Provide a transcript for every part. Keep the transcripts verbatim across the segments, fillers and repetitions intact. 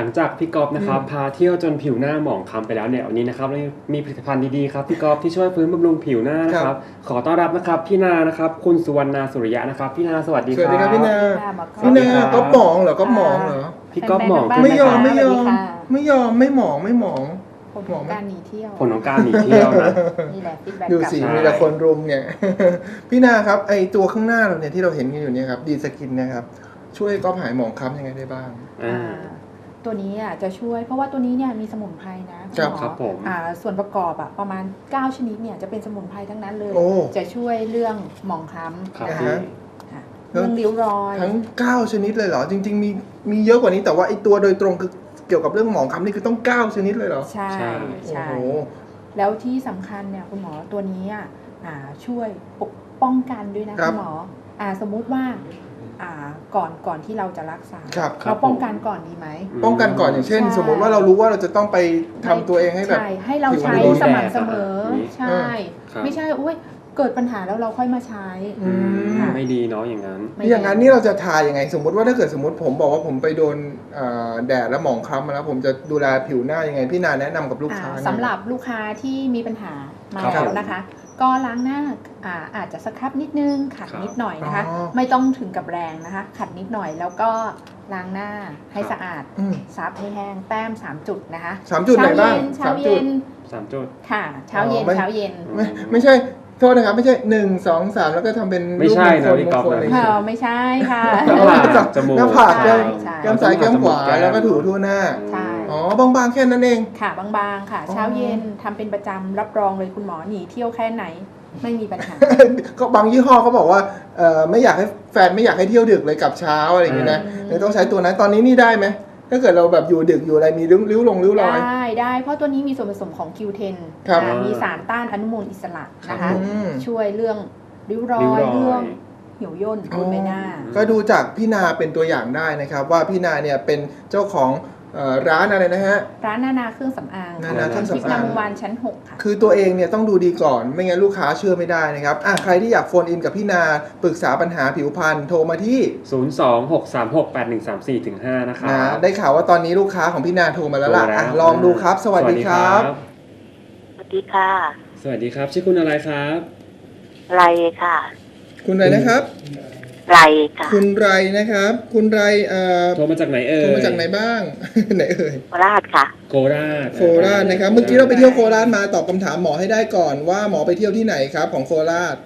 งจากพี่ก๊อฟนะครับพาเที่ยวจนผิวหน้าหมองคล้ำไปแล้วเนี่ยวันนี้นะครับเรามีผลิตภัณฑ์ดีๆครับพี่ก๊อฟที่ช่วยฟื้นบำรุงผิวหน้านะครับขอต้อนรับนะครับพี่นานะครับคุณสุวรรณาสุริยะนะครับพี่นาสวัสดีครับสวัสดีครับพี่นาพี่นาก๊อฟหมองเหรอก๊อฟหมองเหรอพี่ก๊อฟหมองไม่ยอมไม่ยอมไม่ยอมไม่หมองไม่หมองผลของการหนีเที่ยวผลของการหนีเที่ยวนะนี่แหละฟีดแบ็กดูสิมีแต่คนรุมเนี่ยพี่นาครับไอตัวข้างหน้าเราเนี่ยที่เราเห็นกันอยู่เนี่ยครับดีสกินนะครับช่วยก๊อฟหายหมองคล้ำยังไงได้บ้างตัวนี้อ่ะจะช่วยเพราะว่าตัวนี้เนี่ยมีสมุนไพรนะคุณหมอครับผมอ่าส่วนประกอบอ่ะประมาณเก้าชนิดเนี่ยจะเป็นสมุนไพรทั้งนั้นเลยจะช่วยเรื่องหมองคล้ำนะคะเรื่องริ้วรอยทั้งเก้าชนิดเลยเหรอจริงๆมีมีเยอะกว่านี้แต่ว่าไอตัวโดยตรงคือเกี่ยวกับเรื่องหมองคล้ำนี่คือต้องเก้าชนิดเลยเหรอใช่ใช่แล้วที่สำคัญเนี่ยคุณหมอตัวนี้อ่ะช่วยปกป้องกันด้วยนะคุณหมออ่าสมมุติว่าอ่าก่อนก่อนที่เราจะรักษาเราป้องกันก่อนดีไหมป้องกันก่อนอย่างเช่นสมมติว่าเรารู้ว่าเราจะต้องไปทำตัวเองให้แบบให้เราใช้สม่ำเสมอใช่ไม่ใช่อุ้ยเกิดปัญหาแล้วเราค่อยมาใช้ไม่ดีเนาะอย่างนั้นอย่างนั้นนี่เราจะทายังไงสมมติว่าถ้าเกิดสมมติผมบอกว่าผมไปโดนแดดแล้วหมองคล้ำมาแล้วผมจะดูแลผิวหน้ายังไงพี่นาแนะนำกับลูกค้าสำหรับลูกค้าที่มีปัญหามาแล้วนะคะก็ล้างหน้าอ่าอาจจะสครับนิดนึงขัดนิดหน่อยนะคะไม่ต้องถึงกับแรงนะคะขัดนิดหน่อยแล้วก็ล้างหน้าให้สะอาดซับให้แห้งแต้มสามจุดนะคะสามจุดไหนบ้างเช้าเย็นสามจุดค่ะเช้าเย็นเช้าเย็นไม่ไม่ใช่โทษนะครับไม่ใช่หนึ่งสองสามแล้วก็ทำเป็นไม่ใช่นะพี่ก๊อฟเลยไม่ใช่ค่ะหน้าผากจมูกหน้าผากแก้มแก้มซ้ายแก้มขวาแล้วก็ถูทั่วหน้าใช่อ๋อบางๆแค่นั้นเองค่ะบางๆค่ะเช้าเย็นทำเป็นประจำรับรองเลยคุณหมอหนีเที่ยวแค่ไหนไม่มีปัญหาก็บางยี่ห้อเขาบอกว่าเอ่อไม่อยากให้แฟนไม่อยากให้เที่ยวดึกเลยกลับเช้าอะไรอย่างเงี้ยนะเลยต้องใช้ตัวนั้นตอนนี้นี่ได้ไหมถ้าเกิดเราแบบอยู่ดึกอยู่อะไรมีริ้วริ้วลงริ้วรอยได้ได้เพราะตัวนี้มีส่วนผสมของ คิว เท็น มีสารต้านอนุมูลอิสระนะคะช่วยเรื่องริ้วรอยเรื่องเหี่ยวย่นบนใบหน้าก็ดูจากพี่นาเป็นตัวอย่างได้นะครับว่าพี่นาเนี่ยเป็นเจ้าของร้านอะไรนะฮะร้านนานาเครื่องสำอางนานาเครื่องสำอางวันชั้นหกค่ะคือตัวเองเนี่ยต้องดูดีก่อนไม่งั้นลูกค้าเชื่อไม่ได้นะครับอ่ะใครที่อยากโฟนอินกับพี่นาปรึกษาปัญหาผิวพรรณโทรมาที่ศูนย์ สอง หก สาม หก แปด หนึ่ง สาม สี่ ถึง ห้านะครับนะได้ข่าวว่าตอนนี้ลูกค้าของพี่นาโทรมาแล้วล่ะอ่ะลองดูครับสวัสดีครับสวัสดีค่ะสวัสดีครับชื่อคุณอะไรครับไรค่ะคุณอะไรนะครับไรค่ะคุณไรนะครับคุณไรเอ่อโทรมาจากไหนเอ่ยโทรมาจากไหนบ้างไหนเอ่ยโคราชค่ะโคราชโคราชนะครับเมื่อกี้เราไปเที่ยวโคราชมาตอบคำถามหมอให้ได้ก่อนว่าหมอไปเที่ยวที่ไหนครับของโคราช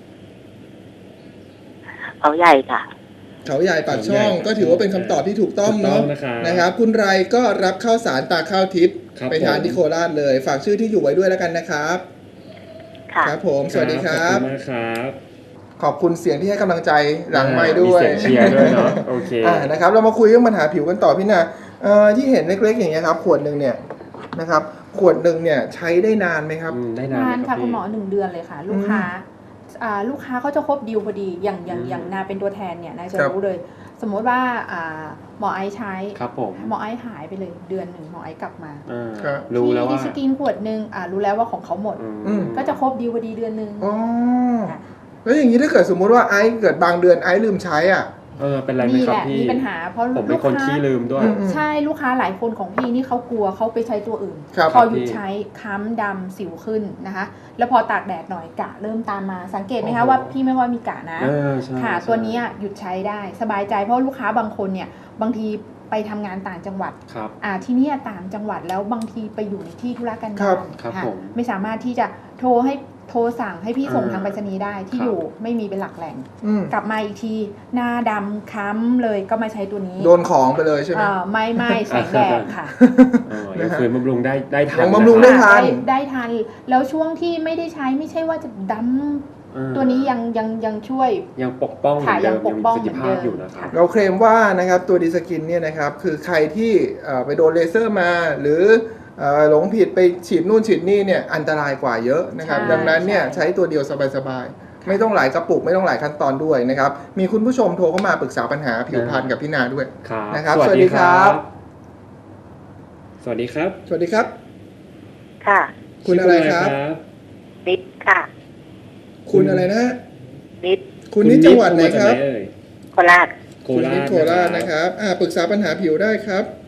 เขาใหญ่ค่ะเขาใหญ่ปากช่องก็ถือว่าเป็นคำตอบที่ถูกต้องเนาะนะครับคุณไรก็รับข้าวสารตาข้าวทิพย์ไปทานที่โคราชเลยฝากชื่อที่อยู่ไว้ด้วยแล้วกันนะครับครับผมสวัสดีครับขอบคุณมากครับขอบคุณเสียงที่ให้กำลังใจหลังไมค์ด้วยมีเสียงเชียร์ด้วยเนาะโอเคอ่านะครับเรามาคุยเรื่องปัญหาผิวกันต่อพี่นาเอ่อที่เห็นเล็กๆอย่างเงี้ยครับขวดหนึ่งเนี่ยนะครับขวดหนึ่งเนี่ยใช้ได้นานไหมครับได้นานค่ะคุณหมอหนึ่งเดือนเลยค่ะลูกค้าอ่าลูกค้าเขาจะครบดีลพอดีอย่างอย่างอย่างนาเป็นตัวแทนเนี่ยนาจะรู้เลยสมมติว่าอ่าหมอไอใช้ครับผมหมอไอหายไปเลยเดือนหนึ่งหมอไอกลับมารู้แล้วว่าที่สกินขวดหนึ่งอ่ารู้แล้วว่าของเขาหมดก็จะครบดีลพอดีเดือนหนึ่งอ๋อแล้วอย่างนี้ถ้าเกิดสมมุติว่าไอซ์เกิดบางเดือนไอซ์ลืมใช้อ่ะเออเป็นไรไหมครับพี่มีปัญหาเพราะผมเป็นคนขี้ลืมด้วยใช่ลูกค้าหลายคนของพี่นี่เขากลัวเขาไปใช้ตัวอื่นพอหยุดใช้ค้ำดำสิวขึ้นนะคะแล้วพอตากแดดหน่อยกะเริ่มตามมาสังเกตไหมคะว่าพี่ไม่ว่ามีกะนะค่ะตัวนี้หยุดใช้ได้สบายใจเพราะลูกค้าบางคนเนี่ยบางทีไปทำงานต่างจังหวัดอ่าที่นี่ต่างจังหวัดแล้วบางทีไปอยู่ในที่ธุรกันดารค่ะไม่สามารถที่จะโทรให้โทรสั่งให้พี่ส่งทางไปรษณีย์ได้ที่อยู่ไม่มีเป็นหลักแหล่งกลับมาอีกทีหน้าดำค้ำเลยก็มาใช้ตัวนี้โดนของไปเลยใช่ไหมไม่ไม่แสงแดดค่ะยังคืนบำรุงได้ได้ทันบำรุงได้ทันได้ทันแล้วช่วงที่ไม่ได้ใช้ไม่ใช่ว่าจะดำตัวนี้ยังยังยังช่วยยังปกป้องค่ะยังปกป้องเหมือนเดิมอยู่นะครับเราเคลมว่านะครับตัวดีสกินเนี่ยนะครับคือใครที่ไปโดนเลเซอร์มาหรือหลงผิดไปฉีดนู่นฉีดนี่เนี่ยอันตรายกว่าเยอะนะครับดังนั้นเนี่ยใช้ตัวเดียวสบายๆไม่ต้องหลายกระปุกไม่ต้องหลายขั้นตอนด้วยนะครับมีคุณผู้ชมโทรเข้ามาปรึกษาปัญหาผิวพรรณกับพี่นาด้วยนะครับสวัสดีครับสวัสดีครับสวัสดีครับค่ะคุณอะไรครับนิดค่ะคุณอะไรนะนิดคุณนิดจังหวัดไหนครับโคราชโคราชโคราชนะครับอ่าปรึกษาปัญหาผิวได้ครับ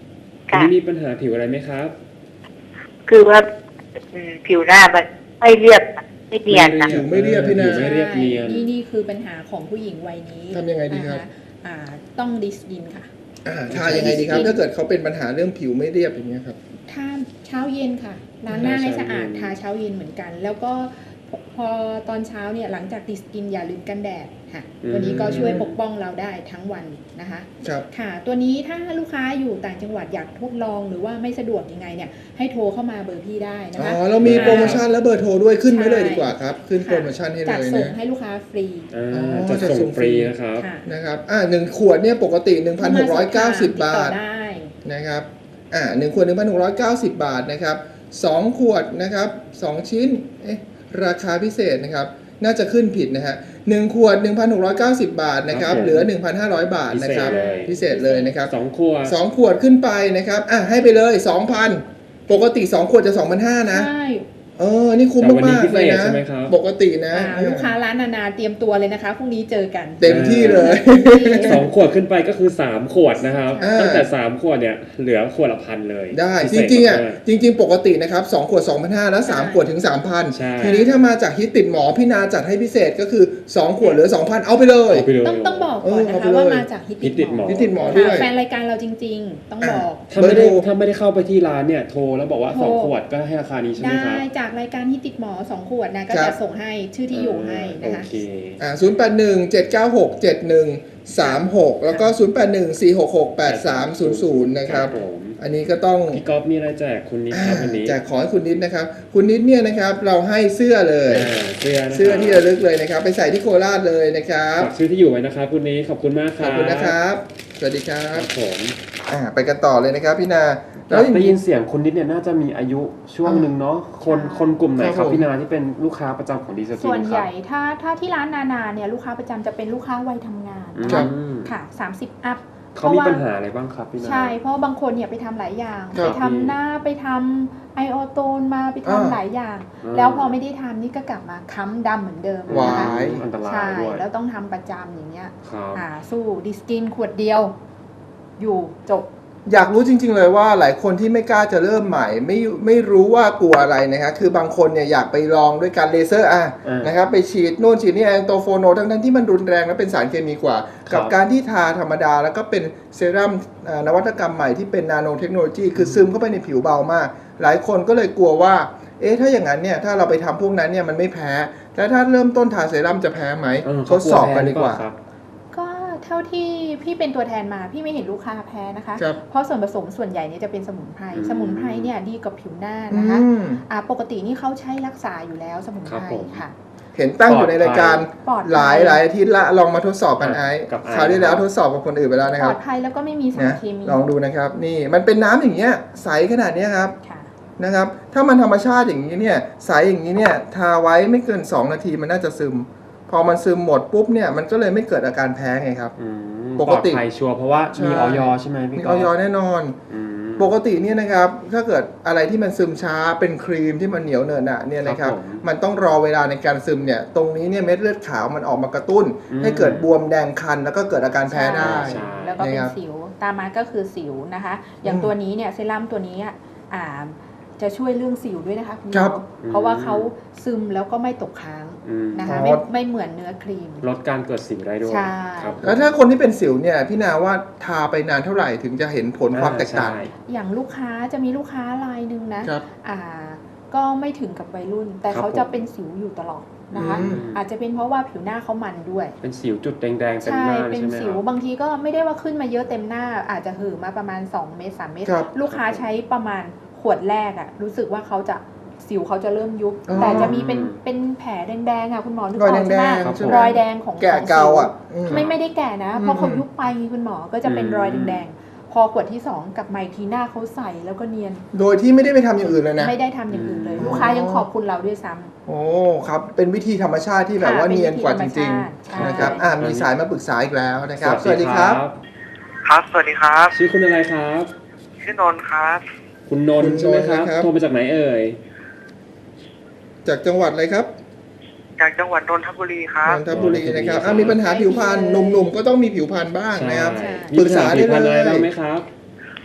อันค่ะนี้มีปัญหาผิวอะไรไหมครับคือว่าอืมผิวหน้ามันไม่เรียบไม่เนียนนะผิวไม่เรียบพี่นาผิวไม่เรียบเนียนนี่นี่คือปัญหาของผู้หญิงวัยนี้ทำยังไงดีครับนะะอ่าต้องดิสกินค่ะอ่าทายังไงดีครับ ถ้าเกิดเขาเป็นปัญหาเรื่องผิวไม่เรียบอย่างเงี้ยครับทาเช้าเย็นค่ะล้างหน้าให้สะอาดเช้าเย็นทาเช้าเย็นเหมือนกัน แล้วก็พอพอตอนเช้าเนี่ยหลังจากดิสกินอย่าลืมกันแดดค่ะอืมตัวนี้ก็ช่วยปกป้องเราได้ทั้งวันนะคะครับค่ะ ตัวนี้ถ้าลูกค้าอยู่ต่างจังหวัดอยากทดลองหรือว่าไม่สะดวกยังไงเนี่ยให้โทรเข้ามาเบอร์พี่ได้นะอ๋คะอเรามีโปรโมชั่นและเบอร์โทรด้วยขึ้นไว้เลยใช่ดีกว่าครับ ขึ้นโปรโมชั่นให้เลจัดยส่งนะให้ลูกค้าฟรีอ่าอ๋อจะจะส่ส่งงฟฟรีรีนะครับค่ะนะครับอ่าหนึ่งขวดเนี่ยปกติ หนึ่งพันหกร้อยเก้าสิบ บาทติดต่อได้นะครับ อ่าหนึ่งขวด หนึ่งพันหกร้อยเก้าสิบ บาทนะครับสองขวดนะครับสองชิ้น เอ๊ะ ราคาพิเศษนะครับ น่าจะขึ้นผิดนะฮะหนึ่งขวด หนึ่งพันหกร้อยเก้าสิบ บาทนะครับครับผมเหลือ หนึ่งพันห้าร้อย บาทนะครับพิเศษเลยพิเศษเลยนะครับสองขวดสองขวดขึ้นไปนะครับ อ่ะให้ไปเลย สองพัน ปกติสองขวดจะ สองพันห้าร้อย นะใช่เออ นี่คุ้มแต่วันนี้มากพิๆเศเลยษนะใช่ไหมครับปกตินะอ่าลูกค้าร้านนานาเตรียมตัวเลยนะคะพรุ่งนี้เจอกันเต็มที่เลยสองขวดขึ้นไปก็คือสามขวดนะครับอ่าตั้งแต่สามขวดเนี่ยเหลือขวดละพันเลยได้พิจเศษริงๆอ่ะมากจริง ๆ ปกตินะครับสองขวด สองพันห้าร้อย แล้วสามใช่ขวดถึง สามพันใช่ทีนี้ถ้ามาจากฮิตติดหมอพี่นาจัดให้พิเศษก็คือ สองขวดเหลือ สองพัน เอาไปเลยเอาไปเลยต้องต้องบอกก่อนเออนะเอาไปคะเลยว่ามาจากฮิตฮิตติดหมอฮิตติดหมอด้วยค่ะแฟนรายการเราจริง ๆ ต้องบอกถ้าไม่ได้เบอร์โทรถ้าไม่ได้เข้าไปที่ร้านเนี่ยโทรแล้วบอกว่าโทรสองขวดก็ให้ราคานี้ใช่ไหมได้ครับจากรายการฮิตติดหมอสองขวดนะก็ครัจะบส่งให้ชื่อที่อยู่ให้นะคะโอเคอ่าศูนย์แปดหนึ่ง เจ็ดเก้าหก เจ็ดหนึ่ง สามหก แล้วก็ ศูนย์แปดหนึ่ง สี่หกหก แปดสามศูนย์ศูนย์ นะครับผมอันนี้ก็ต้องพี่ก๊อฟมีอะไรแจกคุณนิดครับวันนี้แจกของให้คุณนิดนะครับ คุณนิดเนี่ยนะครับเราให้เสื้อเลยอ่าเสื้อนะครับเสื้อที่ระลึกเลยนะครับ ไปใส่ที่โคราชเลยนะครับฝากชื่อที่อยู่ไว้นะครับคุณนี้ขอบคุณมากคขรัอบบคุณนะครับ สวัสดีครัครับ บผมอ่าไปกันต่อเลยนะครับพี่นาแล้วได้ยินเสียงคุณนิดเนี่ยน่าจะมีอายุช่วงหนึ่งเนาะคนใช่คนกลุ่มไหนคครัรับบ ผมพี่นาที่เป็นลูกค้าประจำของดีสกินส่วนคใหรับญ่ถ้าถ้าที่ร้านนานาเนี่ยลูกค้าประจำจะเป็นลูกค้าวัยทำงานนะครัคะบอืมค่ะสามสิบอัพเขามีปัญหาอะไรบ้างครับพี่นาใช่เพราะบางคนเนี่ยไปทำหลายอย่างครับไปทำหน้าไปทำไอโอโตนมาไปทำอ่าหลายอย่างอ่าแล้วพอไม่ได้ทำนี่ก็กลับมาค้ำดำเหมือนเดิมวานะคะยอันตรายใช่ด้วยแล้วต้องทำประจำอย่างเงี้ยครับอ่าสู้ดิสกินขวดเดียว อยู่จบอยากรู้จริง ๆ เลยว่าหลายคนที่ไม่กล้าจะเริ่มใหม่ ไม่ไม่รู้ว่ากลัวอะไรนะครับคือบางคนเนี่ยอยากไปลองด้วยการเลเซอร์อ่ะอ่านนะครับไปฉีดโน่นฉีดนี่แอนโตโฟโนทั้งทั้งๆที่มันรุนแรงและเป็นสารเคมีกว่าครับกับการที่ทาธรรมดาแล้วก็เป็นเซรั่มอ่านวัตกรรมใหม่ที่เป็นนาโนเทคโนโลยีคือซึมเข้าไปในผิวเบามาก หลายคนก็เลยกลัวว่าเอ๊ะถ้าอย่างนั้นเนี่ยถ้าเราไปทำพวกนั้นเนี่ยมันไม่แพ้แล้วถ้าเริ่มต้นทาเซรั่มจะแพ้ไหมเออทดสอบกันดีกว่าเขลัวแพ้หรือเปล่ครับก็เท่าที่พี่เป็นตัวแทนมาพี่ไม่เห็นลูกค้าแพ้นะคะครับเพราะส่วนผสมส่วนใหญ่เนี่ยจะเป็นสมุนไพรอืมสมุนไพรเนี่ยดีกับผิวหน้าอืนะคะมอ่าปกตินี่เขาใช้รักษาอยู่แล้วสมุนครัไพบรผมค่ะเห็นตั้งอยู่ในรายการปลอดภัยหลายหลายอาทิตย์ละลองมาทดสอบกันไอ้กับไอซ์คราวที่แล้วทดสอบกับคนอื่นไปแล้วนะปคลรัอบ ดภัยแล้วก็ไม่มีสารนะเคมีลองดูนะครับนี่มันเป็นน้ำอย่างเงี้ยใสขนาดเนี้ยครับค่ะนะครับถ้ามันธรรมชาติอย่างนี้เนี่ยใสอย่างนี้เนี่ยทาไว้ไม่เกินสองนาทีมันน่าจะซึม พอมันซึมหมดปุ๊บเนี่ยมันก็เลยไม่เกิดอาการแพ้ไงครับอืมปกติปลอดภัยชัวร์เพราะว่าใช่มีออยใช่ไหมพี่มีก๊อออฟยแน่นอนอืมปกติเนี่ยนะครับถ้าเกิดอะไรที่มันซึมช้าเป็นครีมที่มันเหนียวเหนอะหนะเนี่ยนะครับครับผมมันต้องรอเวลาในการซึมเนี่ยตรงนี้เนี่ยเม็ดเลือดขาวมันออกมากระตุ้นอืมให้เกิดบวมแดงคันแล้วก็เกิดอาการแพ้ได้ใช่แล้วก็เป็นนะครับสิวตามมาก็คือสิวนะคะ อย่างอืมตัวนี้เนี่ยเซรั่มตัวนี้อ่ะอ่าจะช่วยเรื่องสิวด้วยนะคะคุณหมครัอบ เพราะว่าเขาซึมแล้วก็ไม่ตกค้างอืมนะคะอ๋อไม่ไม่เหมือนเนื้อครีมลดการเกิดสิวได้ด้วยใช่ครับแล้วถ้าคนที่เป็นสิวเนี่ยพี่นาว่าทาไปนานเท่าไหร่ถึงจะเห็นผลความแตกต่างใช่อย่างลูกค้าจะมีลูกค้ารายหนึ่งนะครับ อ่าก็ไม่ถึงกับวัยรุ่น แต่ครับเขาจะผมเป็นสิวอยู่ตลอดนะคะอืมอาจจะเป็นเพราะว่าผิวหน้าเขามันด้วยเป็นสิวจุดแดงๆเต็มใช่หน้าเป็นใช่ไหมสิคว รับบางทีก็ไม่ได้ว่าขึ้นมาเยอะเต็มหน้า อาจจะหือมาประมาณสองเม็ดสามเม็ดครับลูกค้าใช้ประมาณขวดแรกอะรู้สึกว่าเขาจะสิวเขาจะเริ่มยุบอ๋อแต่จะมีเป็นเป็นแผลแดงๆอะคุณหมอนึกรอยออกแดใช่ไหมงครับๆใช่ไหมรอยแดงของแกะของสิวเกาอ่ะอืมไม่ไม่ได้แก่นะ เพราะเขาอืมยุบไปคุณหมอก็จะเป็นอืมรอยแดงๆ พอขวดที่สองกลับมาอีกทีหน้าเขาใสแล้วก็เนียนโดยที่ไม่ได้ไปทำอย่างอื่นเลยนะไม่ได้ทำอย่างอื่นเลยอืมลูกค้ายังขอบคุณเราด้วยซ้ำโอ้ครับเป็นวิธีธรรมชาติที่แบบว่าค่ะเป็นเนียนกว่าจวิธีริงธรรมชาติๆนะครับใช่อ่ามีสายมาปรึกษาอีกแล้วนะครับ สวัสดีครับครับ สวัสดีครับชื่อคุณอะไรครับชื่อนนท์ครับคุณนนท์ใช่ไหมครับคุณนนท์นะครับโทรมาจากไหนเอ่ยจากจังหวัดอะไรครับจากจังหวัดนนทบุรีครับนนทบุรีนะครับนนทบุรีอ่ามีปัญหาผิวพรรณหนุ่มๆก็ต้องมีผิวพรรณบ้างนะครับใช่มีปัญหาผิวพรรณอะไรบ้างไหมครับ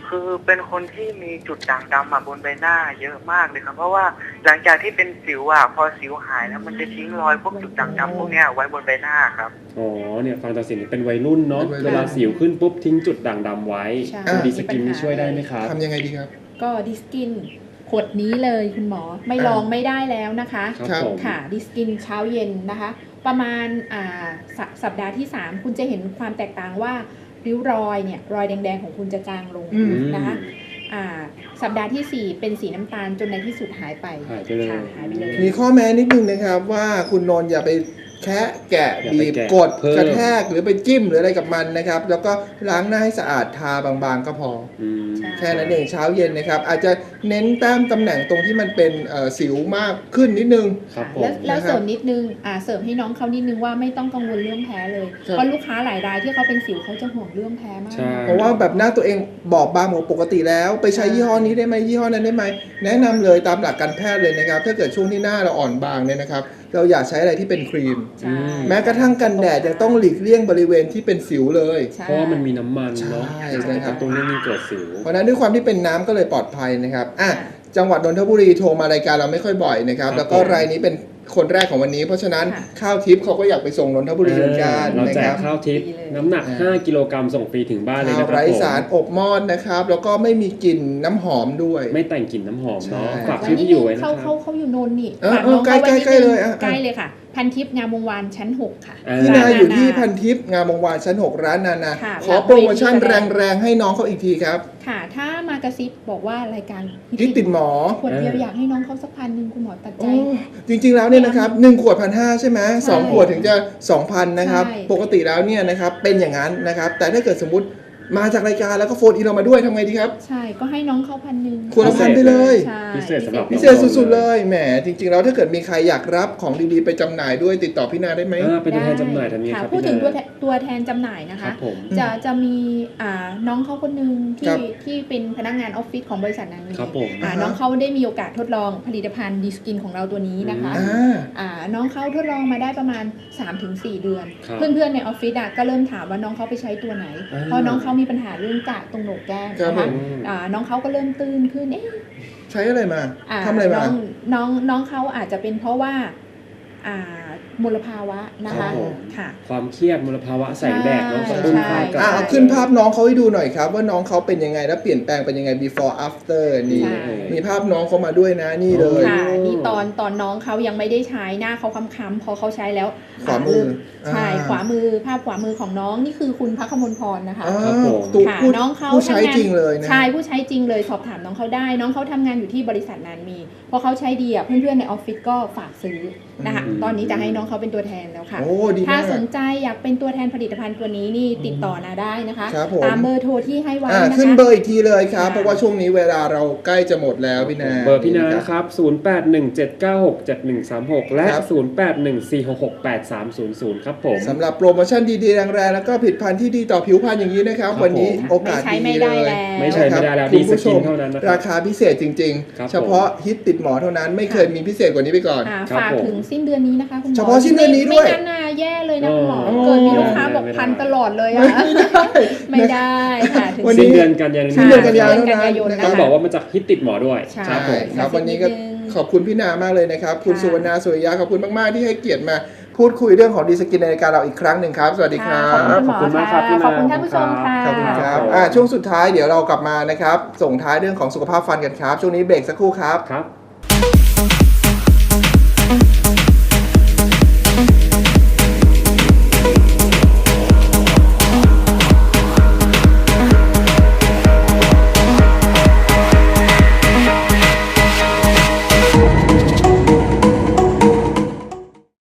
คือเป็นคนที่มีจุดด่างดำอะบนใบหน้าเยอะมากเลยครับเพราะว่าหลังจากที่เป็นสิวอ่ะพอสิวหายแล้วมันจะทิ้งรอยพวกจุดด่างดำพวกเนี้ยไว้บนใบหน้าครับอ๋อเนี่ยฟังจากเสียงนี่เป็นวัยรุ่นเนาะเป็นวัยรุ่นเวลาสิวขึ้นปุ๊บทิ้งจุดด่างดำไว้ใช่ตัวดีสกินมีปัญหานี่ช่วยได้ไหมครับทำยังไงดีครับก็ดิสกินขวดนี้เลยคุณหมอไม่อ่าลองไม่ได้แล้วนะคะครับผมค่ะดิสกินเช้าเย็นนะคะ ประมาณอ่าสสัปดาห์ที่ สาม คุณจะเห็นความแตกต่างว่าริ้วรอยเนี่ยรอยแดงๆของคุณจะจางลงอืมนะคะอ่าสัปดาห์ที่ สี่ เป็นสีน้ำตาลจนในที่สุดหายไปหายไปเลยค่ะหายไปเลยมีข้อแม้นิดนึงนะครับว่าคุณนนท์อย่าไปแคะแกะอย่าไปบีบแกะกดเพิ่มกระแทกหรือไปจิ้มหรืออะไรกับมันนะครับ แล้วก็ล้างหน้าให้สะอาดทาบางๆก็พออืมใช่แค่นั้นเองเช้าเย็นนะครับ อาจจะเน้นแต้มตำแหน่งตรงที่มันเป็นเอ่อสิวมากขึ้นนิดนึงครับผมแล้วแล้วนะครับเสริมนิดนึงอ่าเสริมให้น้องเขานิดนึงว่าไม่ต้องกังวลเรื่องแพ้เลยครับเพราะลูกค้าหลายรายที่เขาเป็นสิวเขาจะห่วงเรื่องแพ้มากใช่เพราะว่าแบบหน้าตัวเองบอบบางหมดปกติแล้ว ไปใช้ยี่ห้อนี้ได้ไหมยี่ห้อนั้นได้ไหมแนะนำเลยตามหลักการแพทย์เลยนะครับ ถ้าเกิดช่วงที่หน้าเราอ่อนบางเนี่ยนะครับ เราอย่าใช้อะไรที่เป็นครีมใช่แม้กระทั่งกันแดดยังต้องหลีกเลี่ยงบริเวณที่เป็นสิวเลยใช่เพราะว่ามันมีน้ำมันเนาะใช่จะนะครับกระตุ้นให้มีเกิดสิวเพราะฉะนั้นด้วยความที่เป็นน้ำก็เลยปลอดภัยนะครับอ่ะค่ะจังหวัดนนทบุรีโทรมารายการเราไม่ค่อยบ่อยนะครับครับแล้วก็รายนี้เป็นคนแรกของวันนี้ เพราะฉะนั้นค่ะข้าวทิพย์เขาก็อยากไปส่งนนทบุรีเหมือนกันเรานะแจคกรับข้าวทิพย์ดีเลยน้ำหนักอ่าห้า กิโลกรัมส่งฟรีถึงบ้านเลยข้าวนะครับไร้ผมสารอบมอดนะครับ แล้วก็ไม่มีกลิ่นน้ำหอมด้วยไม่แต่งกลิ่นน้ำหอมเนาะใช่ฝากชื่อที่อยู่ไว้นะคเขารับเขาเขาอยู่นนท์นี่เออฝากเออน้องเขาไว้ใกล้นิดๆนึงเลยอ่ะใกล้เลยค่ะ พันทิพย์งามวงวานชั้นหกค่ะอ่าพี่นาอยู่ที่นานาพันทิพย์งามวงวานชั้นหกร้านนานาค่ะขอโปรโมชั่นแรงๆให้น้องเขาอีกทีครับค่ะ ถ้ามากระซิบบอกว่ารายการฮิตติดหมอขวดเดียวอยากให้น้องเขาสักพันหนึ่งคุณหมอตัดใจโอ้จริงๆแล้วเนี่ยนะครับหนึ่งขวดพันห้าใช่ไหมสองใช่ขวดถึงจะสองพันนะครับใช่ปกติแล้วเนี่ยนะครับเป็นอย่างนั้นนะครับ แต่ถ้าเกิดสมมติมาจากรายการแล้วก็โฟนอินเรามาด้วยทำไงดีครับใช่ก็ให้น้องเขาพันหนึ่งขวดละพันไปเลยใช่พิเศษสำหรับพิเศษสุดๆเลยแหมจริงๆแล้วถ้าเกิดมีใครอยากรับของดีๆไปจำหน่ายด้วยติดต่อพี่นาได้ไหมอ่าเป็นตัวแทนจำหน่ายทำยังไงค่ะครับพูดถึงพี่ตัวนาแทนตัวแทนจำหน่ายนะครัคะบผมจะจะมีอ่าน้องเขาคนหนึ่งครัที่บที่เป็นพนักงานออฟฟิศของบริษัทนั้นครับผมอ่าอ่าฮะน้องเขาได้มีโอกาสทดลองผลิตภัณฑ์ดีสกินของเราตัวนี้นะคะอือ่าอ่าน้องเขาทดลองมาได้ประมาณ สามถึงสี่ เดือนครับเพื่อนๆในออฟฟิศอ่ะก็เริ่มถามว่าน้องเขาไปใช้ตัวไหนอ่าเพราะน้องเขามีปัญหาเรื่องกระตรงโหนกแก้มครับนะผคะมอ่าน้องเขาก็เริ่มตื้นขึ้นเอ๊ะใช้อะไรมาอ่าทำอะไรมาน้องน้องน้องเขาอาจจะเป็นเพราะว่าอ่ามลภาวะนะครัคะบผมค่ะความเครียดมลภาวะแสงแดดเนาะใช่กระตุ้นใช่ความกระอ่ะเอาขึ้นภาพน้องเขาให้ดูหน่อยครับ ว่าน้องเขาเป็นยังไงแล้วเปลี่ยนแปลงเป็นยังไง before after นี่ใช่มีภาพน้องเขามาด้วยนะนี่เลยค่ะนี่ตอนตอนน้องเขายังไม่ได้ใช้หน้าเขาค้ำๆพอเขาใช้แล้วขวามือใช่อ่าขวามือภาพขวามือของน้องนี่คือคุณพักขมลพรนะคะอ่าครับผมตัวค่ะผู้น้องเขาผู้ใช้ทำงานจริงเลยนะใช่ผู้ใช้จริงเลยสอบถามน้องเขาได้ น้องเขาทำงานอยู่ที่บริษัทนานมีพอเขาใช้ดีอ่ะเพื่อนๆในออฟฟิศก็ฝากซื้อนะคะอืมตอนนี้จะให้น้องเขาเป็นตัวแทนแล้วค่ะโอ้ดีถ้ามากสนใจอยากเป็นตัวแทนผลิตภัณฑ์ตัวนี้นี่ติดต่อนาได้นะคะครับผมตามเบอร์โทรที่ให้ไว้อ่านะคะขึ้นเบอร์อีกทีเลยครับค่ะเพราะว่าช่วงนี้เวลาเราใกล้จะหมดแล้วพี่นาเบอร์พี่นานะครับ ศูนย์ แปด หนึ่ง เจ็ด เก้า หก เจ็ด หนึ่ง สาม หก และครับศูนย์ แปด หนึ่ง สี่ หก หก แปด สาม ศูนย์ ศูนย์ ครับผมสำหรับโปรโมชั่นดีๆแรงๆแล้วก็ผลิตภัณฑ์ที่ดีต่อผิวพรรณอย่างนี้นะครับครับวันนี้ผมโอกาสไม่ใช้ดีไม่เลได้ยแล้วไม่ใช่ไม่ได้แล้วคุดีณสผู้ชกินมเท่านั้นนะครัราบคาพิเศษจริงครับๆ เฉพาะฮิตติดหมอเท่านั้นไม่เคยมีพิเศษกว่านี้ไปก่อนอ่าครับฝากผมถึงสิ้นเดือนนี้นะคะคุณหมอเฉพาะสิ้นเดือนนี้ด้วยไม่งั้นน่ะแย่เลยนะคุณหมออ๋อเกิดมีลูกค้าบอกไม่ได้พันตลอดเลยอะไม่ได้ค่ะถึงวันนี้สิ้นเดือนกันยายนสิ้นเดือนกันยายนสิ้นเดือนกันยายนเท่านั้นนะต้องคะบอกว่ามาจากฮิตติดหมอด้วยใช่ครับผมครับวันนี้ก็นิดนึงขอบคุณพี่นามากเลยนะครับ คุณค่ะสุวรรณาสุริยะขอบคุณมากๆที่ให้เกียรติมาพูดคุยเรื่องของดีสกินในรายการเราอีกครั้งหนึ่งครับ สวัสดีครัค่ะบขอบคุณคุณหมอขอบคุณมากครับพี่ค่ะนาขอบคุณท่านผู้ชมค่ะขอบคุณคครัรับบ อ่าช่วงสุดท้ายเดี๋ยวเรากลับมานะครับ ส่งท้ายเรื่องของสุขภาพฟันกันครับ ช่วงนี้เบรกสักครู่ครับครับ